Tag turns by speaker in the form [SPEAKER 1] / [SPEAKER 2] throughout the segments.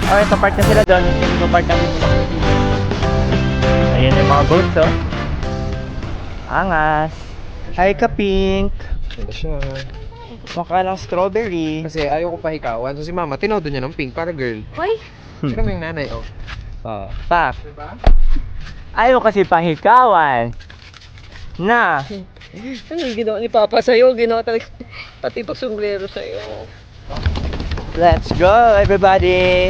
[SPEAKER 1] Oh, ito park na sila doon. Ito park namin sila. Ayan yung mga boats, oh. Angas. Hi, ka-pink.
[SPEAKER 2] Ganda siya.
[SPEAKER 1] Mukha lang strawberry.
[SPEAKER 2] Kasi ayaw ko pahikawan. So si mama, tinodo niya ng pink para girl.
[SPEAKER 3] Hoy!
[SPEAKER 2] Sino mo yung nanay, oh?
[SPEAKER 1] Pak.
[SPEAKER 2] Diba?
[SPEAKER 1] Ayaw kasi pahikawan. Na.
[SPEAKER 3] Ano yung ginawa ni Papa sa'yo? Ginawa talaga pati pag sombrero sa'yo.
[SPEAKER 1] Let's go, everybody.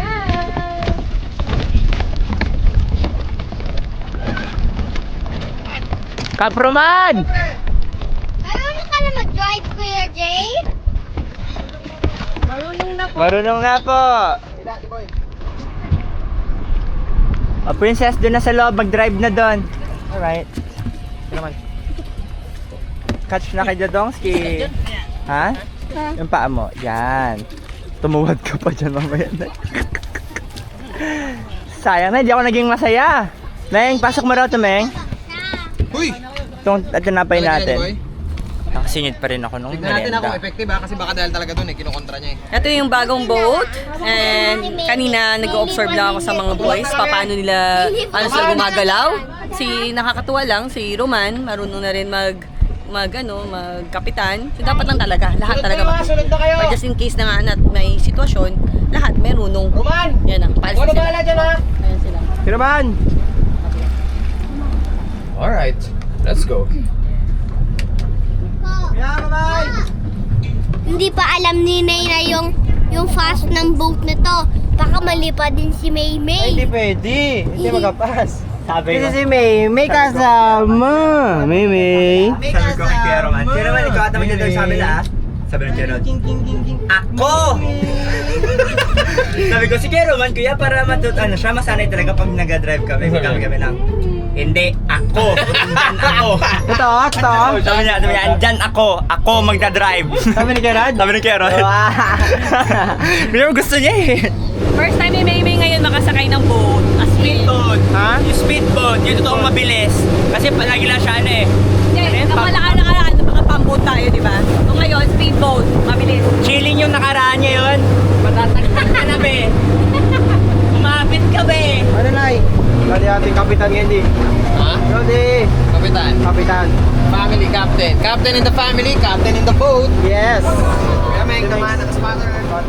[SPEAKER 1] Kaproman!
[SPEAKER 4] Marunong ka na mag-drive, Kuya Jay?
[SPEAKER 3] Marunong na po.
[SPEAKER 1] Marunong na po. Oh, princess, doon na sa loob. Mag-drive na doon. Alright. Ito naman. Catch na kay Dodongski. Ha? Yung paa mo. Yan. Tumuwad ka pa dyan mamaya na. Sayang na, hindi ako naging masaya. Meng, pasok mo raw to, Meng.
[SPEAKER 2] Uy!
[SPEAKER 1] Itong tinapay natin.
[SPEAKER 2] Boy.
[SPEAKER 1] Nakasingit pa rin ako nung
[SPEAKER 2] Tignan natin ako
[SPEAKER 1] merenda.
[SPEAKER 2] effective ha, kasi baka dahil talaga dun kinukontra niya
[SPEAKER 3] Ito yung bagong boat. And kanina nag-observe lang ako sa mga boys. Paano nila, ano sila gumagalaw. Nakakatuwa lang, si Roman, marunong na rin magkapitan. So dapat lang talaga, lahat talaga But just in case na nga na may sitwasyon, lahat merunong.
[SPEAKER 2] Roman!
[SPEAKER 3] Yan ang palis na sila.
[SPEAKER 2] dyan ha?
[SPEAKER 3] Ayan sila.
[SPEAKER 1] Kiraman!
[SPEAKER 2] Alright, let's go.
[SPEAKER 4] Hindi pa alam ni Nay yung fast ng boat na to. Baka malipad din si May May.
[SPEAKER 1] Hindi pwede. Hindi magapas. Sabi ko. Kasi si May, may kasama. May. Sabi ko kay Kuya Roman. Kuya Roman, ikaw ata magdadrive sa amin ah. Sabi ng Kuya Rod. Ako! Sabi ko, si Kuya Roman, kuya, para siya masanay talaga pag nag-drive kami. Kami lang. Hindi, ako. Andyan ako. Totoo? Sabi niya, andyan ako. Ako magdadrive. Sabi ni Kuya Rod? Sabi ni Kuya Rod. Pero gusto niya eh.
[SPEAKER 3] First time ni Maymay ngayon makasakay ng boat. A
[SPEAKER 1] Speedboat. Ha? Yung speedboat, yung totoong mabilis. Kasi palagi lang siya eh.
[SPEAKER 3] Hindi, nakalaan baka pamboat tayo, di ba? So ngayon, speedboat, mabilis.
[SPEAKER 1] Chilling yung nakaraan niya yun. Matatagpan ka na be. Umapit ka be.
[SPEAKER 5] Ano Nay? Bali ating kapitan ngayon di.
[SPEAKER 2] Ha?
[SPEAKER 5] Rodi!
[SPEAKER 2] Kapitan.
[SPEAKER 5] Kapitan.
[SPEAKER 2] Family captain. Captain in the family, captain in the boat.
[SPEAKER 5] Yes!
[SPEAKER 2] Kuya Meng, naman ang spotter.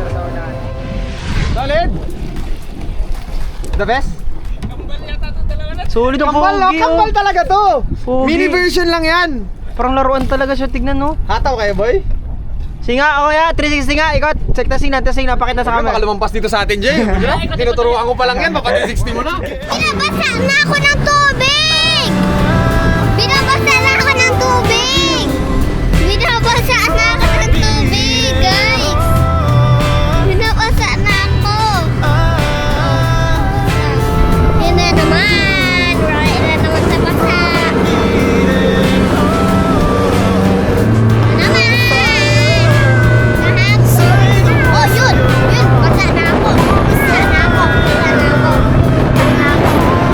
[SPEAKER 5] Solid! The best?
[SPEAKER 1] Solid ang
[SPEAKER 5] Kambal,
[SPEAKER 1] pogi,
[SPEAKER 5] kambal talaga to!
[SPEAKER 1] Pogi.
[SPEAKER 5] Mini version lang yan!
[SPEAKER 1] Parang laruan talaga siya, tignan no.
[SPEAKER 5] Hataw kayo boy?
[SPEAKER 1] Singa, oh ya, 360 nga, ikot. Check tasing napakita sa
[SPEAKER 2] Baka
[SPEAKER 1] camera.
[SPEAKER 2] lumampas dito sa atin, Jay. Tinuturuan ko pa lang yan, mapati 60 mo na.
[SPEAKER 4] Binabasa na ako ng tubig! Binabasa na ako ng tubig! Binabasa na ako ng tubig, guys! Binabasa na ako! Yun na naman! Right na naman sa basa! Naman! Oh, yun! Yun! Basa na ako! Basa na ako! Basa na ako! Basa na ako!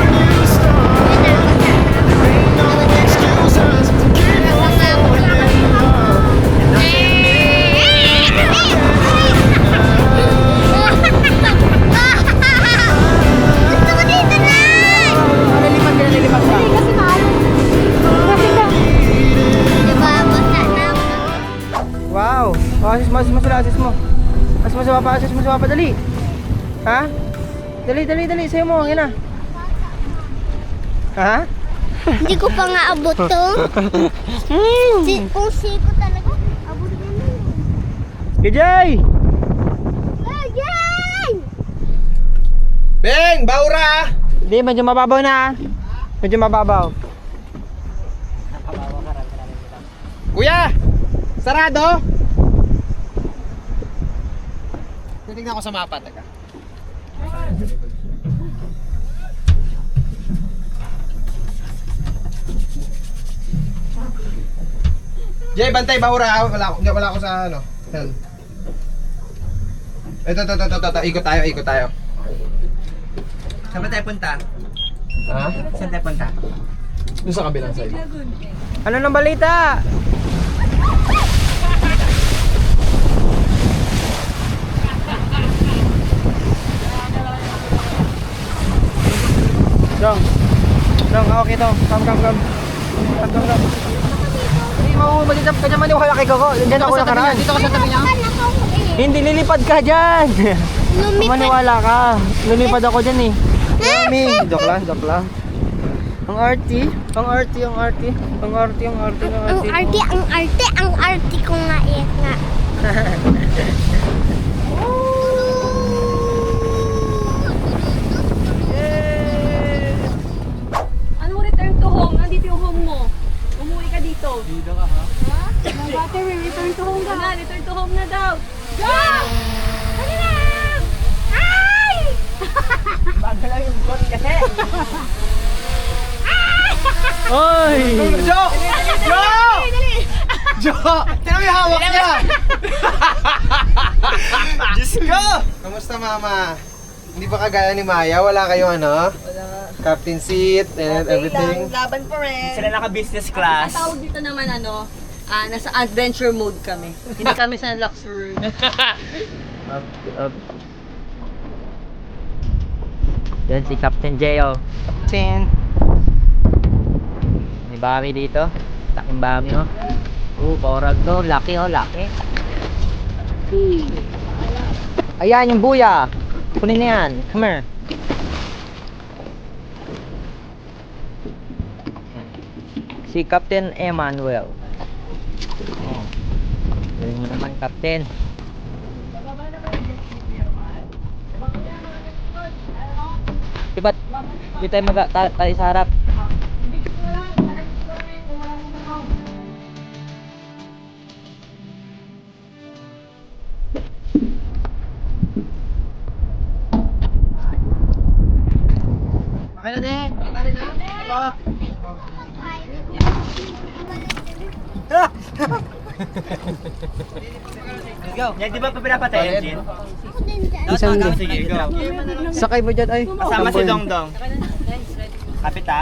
[SPEAKER 5] Wow! Oh, assist mo sila, assist mo. Assist mo sa papa, dali. Ha? Dali, sa'yo mo, yan na. Ha?
[SPEAKER 4] Hindi ko pa nga abot to. Kung siko talaga, abot na nun.
[SPEAKER 5] Kijay!
[SPEAKER 4] Ayay!
[SPEAKER 2] Beng, baura!
[SPEAKER 5] Hindi, medyo mababaw na. Medyo mababaw.
[SPEAKER 2] Kuya! Sarado! Titignan ko sa mapa, teka. Jay, bantay, bahura. Wala ako sa ano. Helm. Ito. Ikot tayo.
[SPEAKER 1] Saan ba tayo punta?
[SPEAKER 2] Ha?
[SPEAKER 1] Saan tayo punta?
[SPEAKER 2] Doon sa kabilang side.
[SPEAKER 5] Ano nang balita? dito. Come. Come. Hindi mo kanya maniwala kay Gogo. Diyan ako nakaraan.
[SPEAKER 2] Dito ka sa tabi niya.
[SPEAKER 5] Hindi, lilipad ka dyan. Maniwala ka. Lilipad ako dyan eh. Mami. Joke lang. Ang arty
[SPEAKER 4] ko nga nga.
[SPEAKER 3] Ano return to home? Nandito yung home mo. Umuwi ka dito. Dito ka ha? Bate, return to home ka. Return to home na daw. Go! Ano na? Ay!
[SPEAKER 1] Bago lang yung got kasi.
[SPEAKER 5] Oy!
[SPEAKER 2] Jo! Tingnan mo yung hawak niya!
[SPEAKER 1] Diyos ko!
[SPEAKER 2] Kamusta mama? Hindi ba kagaya ni Maya? Wala kayong ano? Captain seat and everything?
[SPEAKER 3] Laban pa rin.
[SPEAKER 1] Sila naka-business class.
[SPEAKER 3] Ang tawag dito naman nasa adventure mode kami. Hindi kami sa luxury.
[SPEAKER 5] Up. Yan si Captain J.O. Captain. May bami dito. Taking bami oh. Paurag to. Laki oh, laki. Ayan yung buya. Kunin na yan. Come here. Si Captain Emmanuel. Galing mo naman, Captain. Diba, di tayo tayo sa harap. Okay na din.
[SPEAKER 1] Go. Yan, di ba pa pinapatay engine?
[SPEAKER 5] Isang
[SPEAKER 1] Sige, go.
[SPEAKER 5] sakay mo dyan ay.
[SPEAKER 1] Kasama si Dongdong. Kapit ha?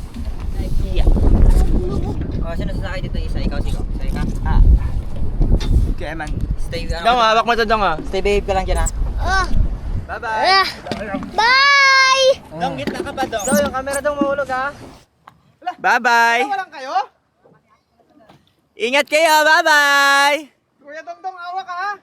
[SPEAKER 5] Sino sasakay dito isa? Ikaw, Siko. Sakay ka?
[SPEAKER 1] Ah. Okay, man.
[SPEAKER 5] Stay,
[SPEAKER 1] Dong, hawak mo to, Dong, ah.
[SPEAKER 5] Stay behave ka lang dyan ha.
[SPEAKER 1] Bye-bye.
[SPEAKER 4] Bye!
[SPEAKER 1] Dong, gitna ka pa, Dong.
[SPEAKER 5] So, yung camera daw mahulog ha.
[SPEAKER 1] Bye-bye.
[SPEAKER 2] Walang kayo?
[SPEAKER 1] Ingat kayo, bye-bye.
[SPEAKER 2] Kuya Dongdong, awa ka ha?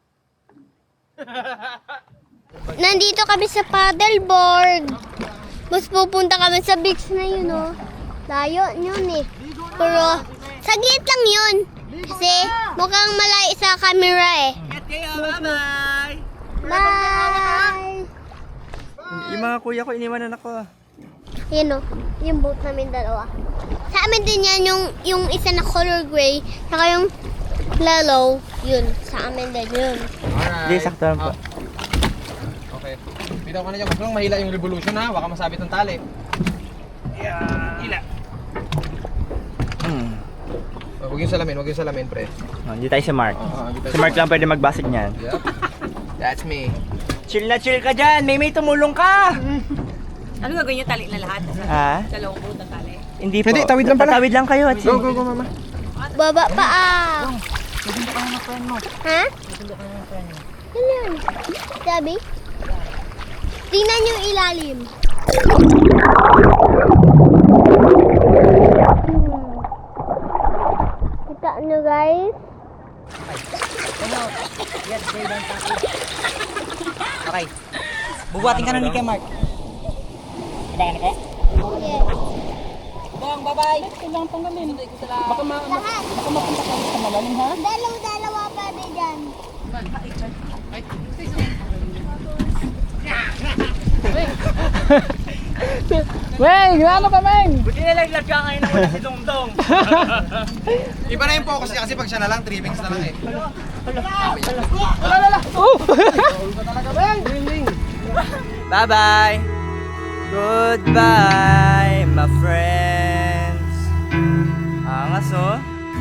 [SPEAKER 4] Nandito kami sa paddleboard. Mas pupunta kami sa beach na yun, oh. Layo yun eh. Pero, saglit lang yun. Kasi, mukhang malayo sa camera eh.
[SPEAKER 1] Ingat kayo, bye-bye.
[SPEAKER 4] Bye!
[SPEAKER 1] Yung mga kuya ko, iniwanan ako.
[SPEAKER 4] Yan oh, yung boat namin dalawa. Sa amin din yan, yung isa na color gray, saka yung yellow, yun. Sa amin din yun.
[SPEAKER 2] Alright.
[SPEAKER 1] Hindi, sakto lang po.
[SPEAKER 2] Okay. Bitaw ka na dyan. Huwag lang mahila yung revolution ha. Baka masabit ng tali.
[SPEAKER 1] Ila.
[SPEAKER 2] Huwag yung salamin, pre.
[SPEAKER 1] Oh, hindi tayo si Mark.
[SPEAKER 2] Dito
[SPEAKER 1] Si Mark lang pwede magbasik niyan.
[SPEAKER 2] Yep. That's me.
[SPEAKER 1] Chill na chill ka dyan. May tumulong ka.
[SPEAKER 3] Ano gagawin niyo? Tali na lahat?
[SPEAKER 1] Ha?
[SPEAKER 3] Dalawang boat ng tali.
[SPEAKER 1] Hindi po.
[SPEAKER 2] Hindi, tawid lang pala.
[SPEAKER 1] Tawid lang kayo. At
[SPEAKER 2] Go, mama.
[SPEAKER 4] Baba pa ah. Ha? Ano yun? Sabi? Tingnan yung ilalim. Kita nyo guys?
[SPEAKER 5] Okay. Bubuhatin ka na ni kay Mark.
[SPEAKER 4] Yes.
[SPEAKER 3] Bang, bye-bye!
[SPEAKER 4] Lahat. Dalawa pa din dyan.
[SPEAKER 5] Meng, ano pa Meng?
[SPEAKER 1] buti na lang ka ngayon na wala si Dongdong.
[SPEAKER 2] Iba na yung focus niya kasi pag siya na lang, trimmings na lang eh.
[SPEAKER 1] Bye-bye. Goodbye, my friends. Angas, oh.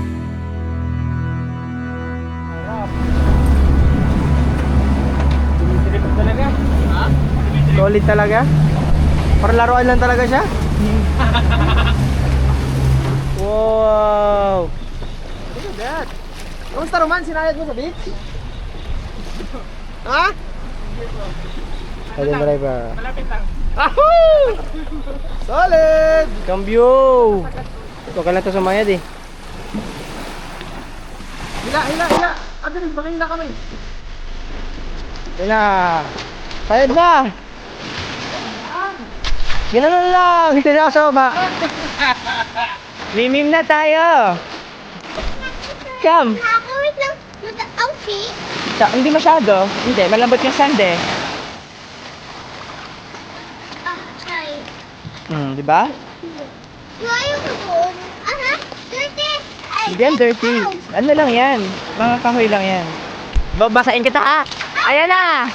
[SPEAKER 5] Solid talaga? Para laruan lang talaga siya? Wow! Look at that! Kamusta Roman? Sinayad mo sa beach? Ha? Ayun driver.
[SPEAKER 2] Solid!
[SPEAKER 5] Cambio! Ito ka lang ito sumayad eh.
[SPEAKER 2] Hila! Abilis, bakila kami.
[SPEAKER 5] Yun na. Sayad na. Gano'n lang. Hindi na ako sama. Mimim na tayo. Come.
[SPEAKER 4] Nakakawit lang yung outfit.
[SPEAKER 5] Hindi masyado. Hindi, malambot yung sand eh.
[SPEAKER 4] Okay.
[SPEAKER 5] Di ba?
[SPEAKER 4] Ayaw ko doon. Aha, dirty. Ay,
[SPEAKER 5] Hindi yan dirty. Ano lang yan? Mga kahoy lang yan. Babasain kita ha. Ayan na.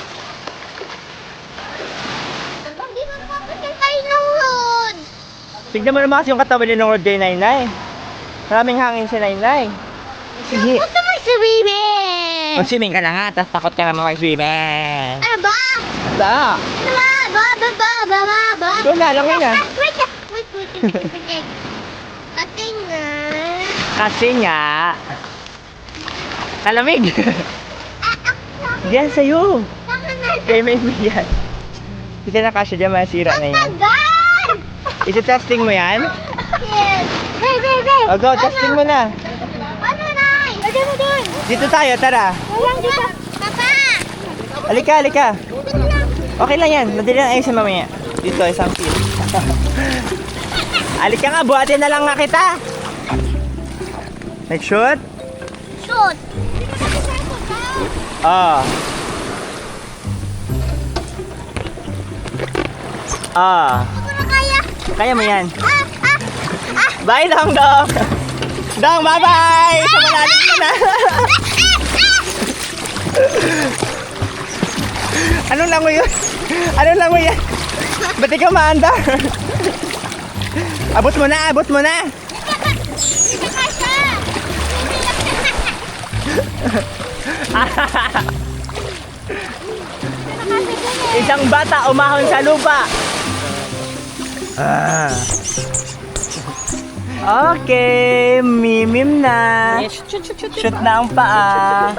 [SPEAKER 4] Hindi ko napapasin kayo nahulod.
[SPEAKER 5] Tignan mo naman kasi yung katawan ni Lord kay Nainay. Maraming hangin si Nainay. Sige.
[SPEAKER 4] Gusto mo swimming?
[SPEAKER 5] Mag-swimming ka na nga, tapos takot ka naman mag-swimming.
[SPEAKER 4] Ano ba?
[SPEAKER 5] Da.
[SPEAKER 4] Ano ba?
[SPEAKER 5] Doon na, lang na.
[SPEAKER 4] Wait. Kasi nga.
[SPEAKER 5] Kasi nga, kalamig. Diyan sa'yo. Kay may yan. Hindi na kasya dyan, masira na yan.
[SPEAKER 4] Tagal!
[SPEAKER 5] Iti-testing mo yan?
[SPEAKER 4] Yes. Hey.
[SPEAKER 5] O go, testing mo na.
[SPEAKER 4] Ano na? Lagyan mo doon.
[SPEAKER 5] Dito tayo, tara.
[SPEAKER 4] Walang dito. Papa!
[SPEAKER 5] Halika. Okay lang yan, madali lang ayusin mamaya. Dito, isang pin. Halika nga, buhatin na lang nga kita. Like shoot?
[SPEAKER 4] Shoot!
[SPEAKER 5] Ah.
[SPEAKER 4] Ano na kaya?
[SPEAKER 5] Kaya mo yan.
[SPEAKER 4] Ah!
[SPEAKER 5] Bye, Dong. Dong, bye-bye! Sa malalim ka na. Anong lango yun? Ba't ikaw maandar? Abot mo na!
[SPEAKER 4] Hindi ka siya!
[SPEAKER 5] Isang bata umahon sa lupa. Okay, mimim na. Shoot na ang paa.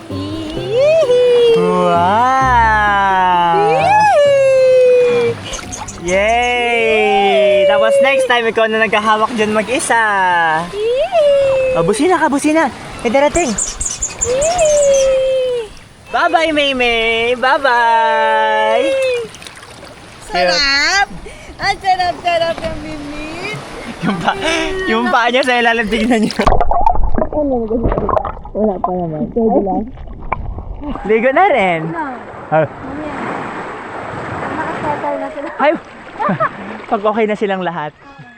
[SPEAKER 5] Wow! Yay! Tapos next time, ikaw na nagkahawak dyan mag-isa. Busina ka. May darating. Bye-bye, Maymay! Bye-bye!
[SPEAKER 3] Sarap! Ang sarap ng mimit.
[SPEAKER 5] Yung paa niya sa ilalim, tignan niyo. Wala pa naman. Pwede lang. Ligo na rin.
[SPEAKER 3] Nakasettle na sila.
[SPEAKER 5] Ay! Pag okay na silang lahat.